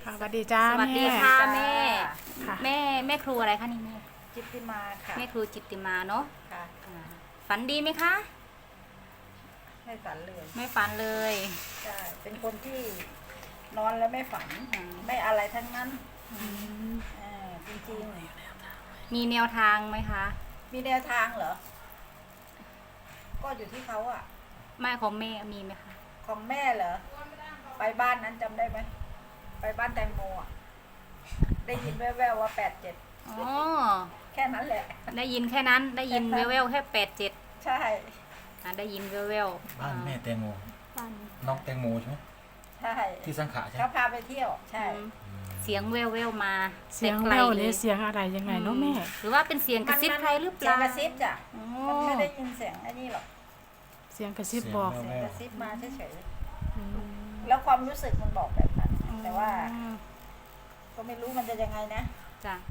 ค่ะสวัสดีจ้าสวัสดีแม่ค่ะแม่ค่ะแม่ครูอะไรคะนี่แม่จิตติมาค่ะแม่ครูจิตติมาเนาะค่ะอ่าฝันดีไหมคะไม่ฝันเลยไม่ฝันเลยใช่เป็นคนที่นอนแล้วไม่ฝันอืมไม่อะไรทั้งนั้นจริงมีแนวทางไหมคะๆมีแนวทางเหรอ ก็อยู่ที่เขาอะแม่ของแม่มีไหมคะของแม่เหรอ ไปบ้านนั้นจำได้ไหม ไปบ้านแตงโมอะได้ยินแว่วๆว่า87 อ๋อแค่นั้นแหละได้ยินแค่นั้นได้ยินแววๆแค่87 ใช่ได้ยินแววๆบ้านแม่แตงโมบ้านน้องแตงโมใช่ไหมใช่ที่สังขะใช่ไหมเขาพาไปเที่ยว ใช่อืมเสียงแววๆมาเสียงไกแวลวๆนี่เสียงอะไรยังไงเนาะแม่หรือว่าเป็นเสียงกระซิบใครหรือเปเสียล่างกระซิบจ้ะอ๋อมันไม่ได้ยินเสียงไอ้นี่หรอกเสียงกระซิบบอกเสียงกระซิบมาเฉยอืมๆแล้วความรู้สึกมันบอกแบบนั้น แต่ว่าอืมก็ไม่รู้มันจะยังไงนะจ้ะ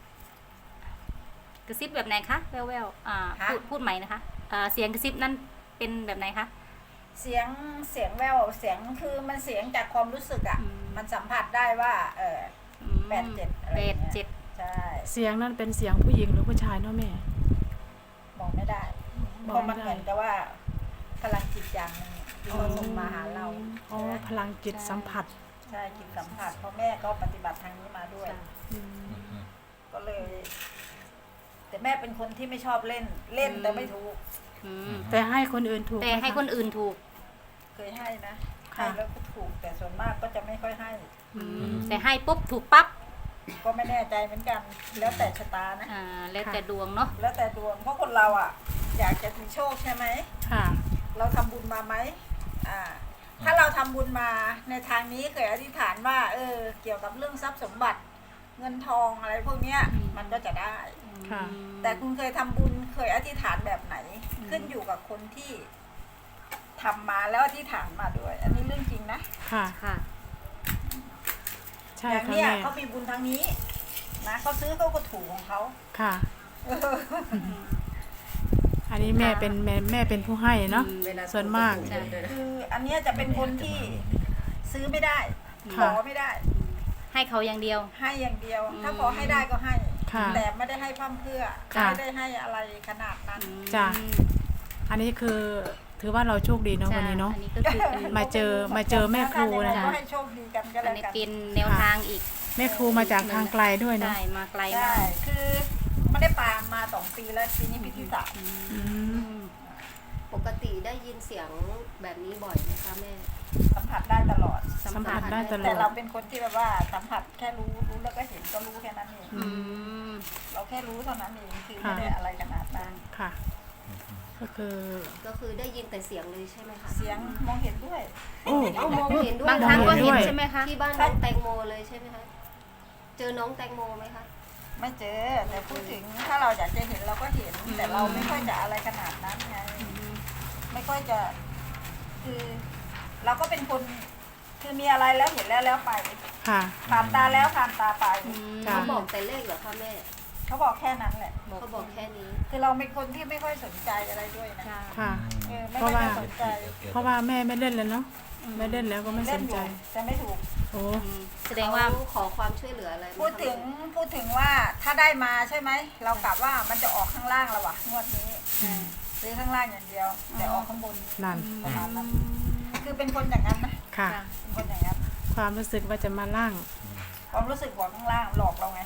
กระซิบแบบไหนคะแววๆฮะพูดใหม่นะคะเสียงกระซิบนั่นเป็นแบบไหนคะเสียงแววเสียงคือมันเสียงจากความรู้สึกอ่ะอืมมันสัมผัสได้ว่าอื 87 มอะไรอย่างเงี้ย 87 ใช่เสียงนั้นเป็นเสียงผู้หญิงหรือผู้ชายเนาะแม่บอกไม่ได้บเพอกราะไม่มันได้เหมือนกับว่าพลังจิตอย่างหนึงที่เขาส่งมาหาเราอ๋อใช่ไหมพลังจิตสัมผัสใช่จิตสัมผัสเพราะแม่ก็ปฏิบัติทางนี้มาด้วยจ้ะอืมอืมก็เลย แต่แม่เป็นคนที่ไม่ชอบเล่นแต่ไม่ถูกอืมแต่ให้คนอื่นถูกแต่ไหมะให้คนอื่นถูกเคยให้นะค่ะให้แล้วก็ถูก แต่ส่วนมากก็จะไม่ค่อยให้แต่ให้ปุ๊บถูกปั๊บก็ไม่แน่ใจเหมือนกัน แล้วแต่ชะตานะแล้วแต่ดวงเนาะแล้วแต่ดวงเพราะคนเราอ่ะ อยากจะมีโชคใช่ไหมค่ะเราทำบุญมาไหมถ้าเราทำบุญมาในทางนี้เคยอธิษฐานว่า เกี่ยวกับเรื่องทรัพย์สมบัติ เงินทองอะไรพวกเนี้ย มันก็จะได้ค่ะแต่คุณเคยทำบุญเคยอธิษฐานแบบไหน ขึ้นอยู่กับคนที่ทำมาแล้วอธิษฐานมาด้วย อันนี้เรื่องจริงนะค่ะค่ะใช่อย่างค่ะเนี้ยแม่เขามีบุญทางนี้ นะเขาซื้อเขาก็ถูกของเขาค่ะเอออันนี้แม่เป็นแม่เป็นผู้ให้เนาะ ส่วนมากใช่คืออันเนี้ยจะเป็นคนที่ซื้อไม่ได้ขค่ะอไม่ได้ให้เขาอย่างเดียวให้อย่างเดียวอืมถ้าขอให้ได้ก็ให้ค่ะแต่ไม่ได้ให้พร่ำเพรื่อค่ะไม่ได้ให้อะไรขนาดนั้นจ้ะ อันนี้คือถือว่าเราโชคดีเนาะวันนี้เนาะอันนี้ก็คือเป็นมาเจอแม่ครูนะนะคะก็ให้โชคดีกันก็อัแล้นวนี้กันเป็นแนวทางอีกแม่ครูมาจากทางไกลด้วยเนาะใช่มาไกลใช่มากคือไม่ได้ปามมา2 ปีแล้วปีนี้ปีที่ 3 อืมปกติได้ยินเสียงแบบนี้บ่อยไหมคะแม่สัมผัสได้ตลอดสัมผัสได้ตลแต่อเราดเป็นคนที่แบบว่าสัมผัสแค่รู้แล้วก็เห็นก็รู้แค่นั้นเองอืมเราแค่รู้เท่านั้นเองคือไม่ได้อะไรขนาดนั้นค่ะ ก็คือก็คือได้ยินแต่เสียงเลยใช่ไหมคะเสียงมองเห็นด้วยโอ้เอามองเห็นด้วยบางครั้งก็มองเห็เห็นนด้วยใช่ไหมคะที่บ้านน้องแตงโมเลยใช่ไหมคะเจอน้องแตงโมไหมคะไม่เจอแต่พูดถึงถ้าเราอยากจะเห็นเราก็เห็น แต่เราไม่ค่อยจะอะไรขนาดนั้นไงไม่ค่อยจะ คือ เราก็เป็นคนคือมีอะไรแล้วเห็นแล้วไปค่ะผ่านตาแล้วผ่านตาไปจ้ะเขาบอกแต่เลขเหรอคะแม่เขาบอกแค่นั้นแหละเขาบอกแค่นี้คือเราเป็นคนที่ไม่ค่อยสนใจอะไรด้วยนะจ้ะค่ะไม่ค่อยจะสนใจเพราะว่าแม่ไม่เล่นเลยเนาะ ไม่เล่นแล้วก็ไม่สเล่นนอใจยู่แต่ไม่ถูกโอ้แสดงว่าเขขอความช่วยเหลืออะไรไหมคะพูดถึงว่าถ้าได้มาใช่ไหมเรากลับว่ามันจะออกข้างล่างแล้ววะงวดนี้ซื้อข้างล่างอย่างเดียว แต่ออกข้างบนนั่นประมาณนั้นคือเป็นคนอย่างนั้นนะค่ะจ้ะเป็นคนอย่างนั้นความรู้สึกว่าจะมาล่างความรู้สึกบอกข้างล่างหลอกเราไง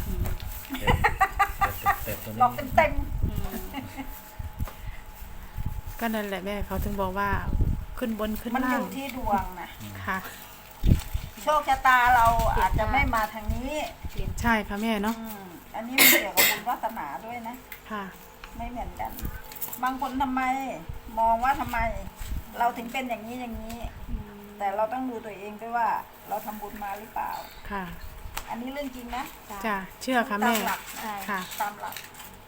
แต่ตัวหลอกเต็มก็นั่นแหละแม่เขาถึงบอกว่าขึ้นบนขึ้นๆมันอล่างยู่ที่ดวงนะค่ะโชคชะตาเราอาจจะไม่มาทางนี้ใช่ค่ะแม่เนาะอันนี้มันเกี่ยวกับบุญวาสนาด้วยนะค่ะไม่เหมือนกัน บางคนทำไมมองว่าทำไม เราถึงเป็นอย่างนี้อย่างนี้ แต่เราต้องดูตัวเองด้วยว่า เราทำบุญมาหรือเปล่าค่ะอันนี้เรื่องจริงนะจ้ะเชื่อค่ะตาแม่มหลักใช่ค่ะตามหลัก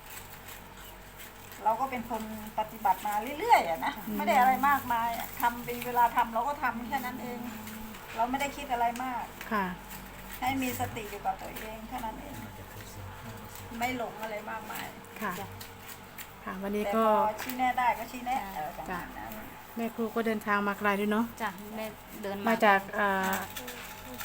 เราก็เป็นคนปฏิบัติมาเรื่อยๆอะนะไม่ได้อะไรมากมายอะทำเป็นเวลาทำเราก็ทำแค่นั้นเอง เราไม่ได้คิดอะไรมากค่ะให้มีสติอยู่กับตัวเองแค่นั้นเอง ไม่หลงอะไรมากมายค่ะ ค่ะ วันนี้แต่ก็พอชี้แน่ได้ก็ชี้แน่ประมาณนั้นแม่ครูก็เดินทางมาไกลด้วยเนาะจ้ะแม่เดินมาจาก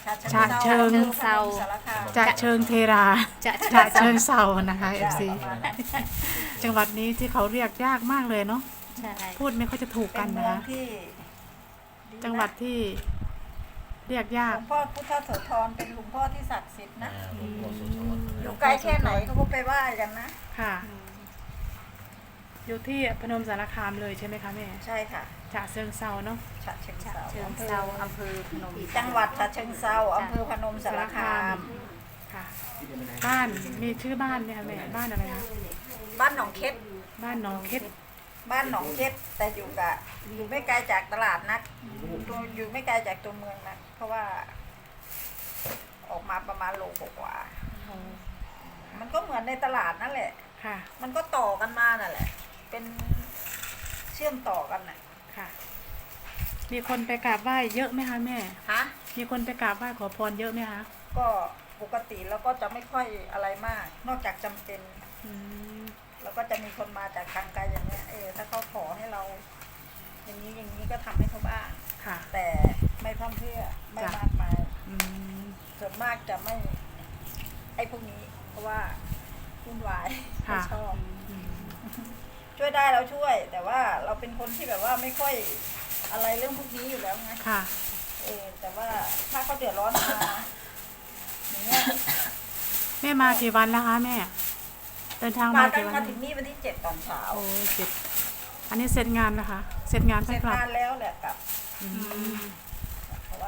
ฉะเชิงเซาสารคามจะเชิงเทราจะจะเชิงเซานะคะ FC ประมาณนั้นจังหวัดนี้ที่เขาเรียกยากมากเลยเนาะใช่พูดไม่ค่อยจะถูกเป็กันนเมืนะองคะที่จังหวัดที่เรียกยาหลกวงพ่อพุทธโสธรเป็นหลวงพ่อที่ศักดิ์สิทธิ์นะหลวงพ่อโสธรอยู่ไกลแค่ไหนเขาก็ไปไหว้กันนะค่ะ อยู่ที่พนมสารคามเลยใช่ไหมคะแม่ใช่ค่ะฉะเชิงเซาเนาะฉะเชิงเทราเชิงเซาอำเภอพนมจังหวัดฉะเชิงเทราอำเภอพนมสารคามค่ะ บ้านมีชื่อบ้านไหมคะแม่บ้านอะไรคะบ้านหนองเค็ดบ้านหนองเค็ดบ้านหนองเค็ดแต่อยู่ไม่ไกลจากตลาดนักอยู่ไม่ไกลจากตัวเมืองนักเพราะว่า ออกมาประมาณโลกว่าๆมันก็เหมือนในตลาดนั่นแหละค่ะมันก็ต่อกันมานั่นแหละ เป็นเชื่อมต่อกันน่ะค่ะ มีคนไปกราบไหว้เยอะไหมคะแม่ฮะมีคนไปกราบไหว้ขอพรเยอะไหมคะก็ปกติแล้วก็จะไม่ค่อยอะไรมาก นอกจากจำเป็นอืมแล้วก็จะมีคนมาจากทางไกลอย่างเนี้ยถ้าเขาขอให้เรา อย่างนี้ก็ทำให้เขาบ้างค่ะแต่ไม่พร่ำเพรื่อไม่จ้ะมากมายอืมส่วนมากจะไม่ไอ้พวกนี้ เพราะว่าวุ่นวายไม่ค่ะชอบอืมช่วยได้เราช่วย แต่ว่าเราเป็นคนที่แบบว่าไม่ค่อยอะไรเรื่องพวกนี้อยู่แล้วไงค่ะแต่ว่าถ้าเขาเดือดร้อนมาอย่างเงี้ยแม่มากี่วันแล้วคะแม่ เดินทางมามาตั้กี่งวันมาถึงนี่วันที่7 ตอนเช้าโอ้ยเจ็ดอันนี้เสร็จงานนะคะ เสร็จงานเสไปร็จกลับงานแล้วแหละกลับอืมเพราะว่า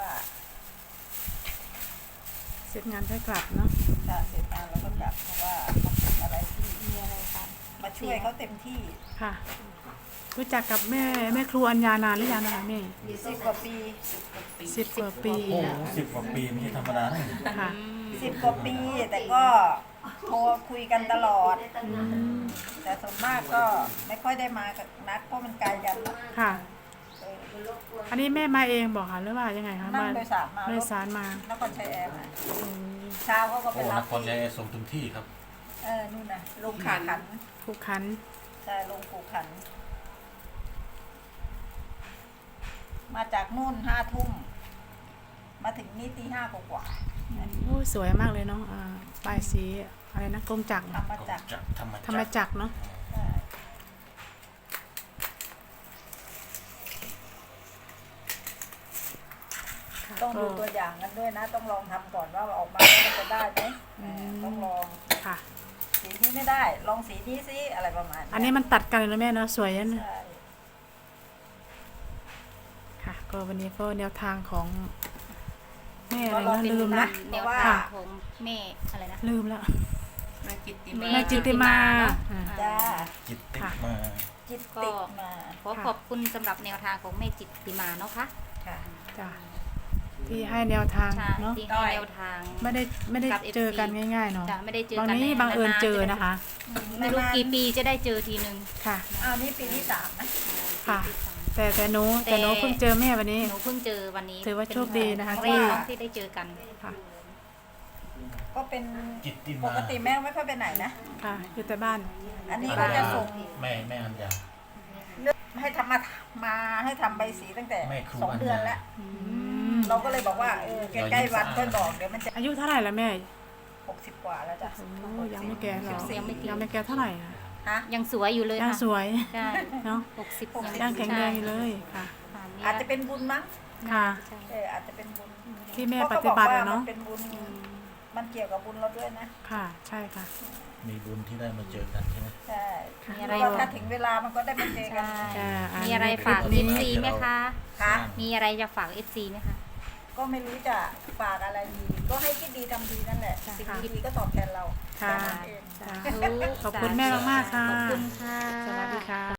เสร็จงานไปกลับเนาะถ้าเสร็จงานแล้วก็กลับเพราะว่ามันเป็นอะไรที่มีอะไรคะมาช่วยเขาเต็มที่ค่ะ รู้จักกับแม่ครูอัญญานานหรือยังนะคะแม่ 10 กว่าปี 10 กว่าปีโอ้โห10 กว่าปีไม่ใช่ธรรมดานะค่ะ 10 กว่าปี แต่ก็โทรคุยกันตลอดอืมแต่ส่วนมากก็ไม่ค่อยได้มากับนัดเพราะมันไกลกันเนอะค่ะเอออันนี้แม่มาเองบอกค่ะหรือว่ายังไงคะนั่งโดยสารมาโดยสารมานครชัยแอร์มาอืมเช้าเขาก็ไปโอ้รันบครชัยส่งถึงที่ครับนู่นน่ะลงขาขันผูกขันใช่ลงผูขัน มาจากนู่น5 ทุ่ม มาถึงนี่ตี 5 กว่าโอ้ยสวยมากเลยเนาะปลายสีอะไรนะกรมจักรๆเนอะทำมาจากธรรมจักรเนาะใช่ต้องดูตัวอย่างกันด้วยนะ ต้องลองทำก่อนว่าออกมาแล้วมันจะได้ไหมต้องลองค่ะสีนี้ไม่ได้ ลองสีนี้ซิอะไรประมาณอันนี้มันตัดกันเลยนะแม่เนาะสวยนะใช่ค่ะ ก็วันนี้ก็แนวทางของแม่อะไรก็ลองนะดูลืมนะละแนวว่าทางของแม่อะไรนะลืมละแม่แม่จิตติมาเนอะอ่าจ้าจิตติค่ะมาจิตติดมาขอขอบคุณสำหรับแนวทางของแม่จิตติมาเนาะค่ะค่ะจ้ะที่ให้แนวทางใช่เนาะที่ให้แนวทางไม่ได้กับเจอ FC กันง่ายๆเนาะจะไม่ได้เจอบางกันนี้ในบังเอิญนานๆเจอจะได้นะคะไม่รู้กี่ปีจะได้เจอทีนึงค่ะอ้าวนี่ปีที่ 3 นะค่ะ แต่หนูแต่เพิ่งเจอแม่วันนี้หนูเพิ่งเจอวันนี้ถือว่าโชคดีนะคะเป็ที่นรั้งแรกที่ได้เจอกันค่ะก็เป็นจิตติปมากติแม่ไม่ค่อยไปไหนนะค่ะ อยู่แต่บ้านอันนี้ก็จะส่งแม่อัญญาเรื่องให้ทำมาให้ทำใบสีตั้งแต่แม่ครู 2 เดือนแล้วอืมเราก็เลยบอกว่าใกล้ๆวันค่อยบอกเดี๋ยวมันจะอายุเท่าไหร่แล้วแม่ 60 กว่าแล้วจ้ะโอ้ยังไม่แก่หรอกยังไม่แก่ยังไม่แก่เท่าไหร่อะฮะยังสวยอยู่เลยยังค่ะสวยใช่เนาะ 60 ยังแข็งแรงอยู่เลยค่ะอาจจะเป็นบุญมั้งค่ะใช่อาจจะเป็นบุญที่แม่ปฏิบัติอะเนาะมันเป็นบุญมันเกี่ยวกับบุญเราด้วยนะค่ะ ใช่ค่ะมีบุญที่ได้มาเจอกันใช่ไหมใช่มีอะไรแล้วก็ถ้าถึงเวลามันก็ได้มาเจอกันใช่อ่ามีอะไรฝากคลิปนี้ FC ไหมคะค่ะมีอะไรจะฝาก FC ไหมคะก็ไม่รู้จะฝากอะไรดี ก็ให้คิดดีทำดีนั่นแหละค่ะสิ่งดีๆก็ตอบแทนเราค่ะแค่นั้นเองจ้ะขอบคุณแม่มากๆค่ะขอบคุณค่ะสวัสดีค่ะ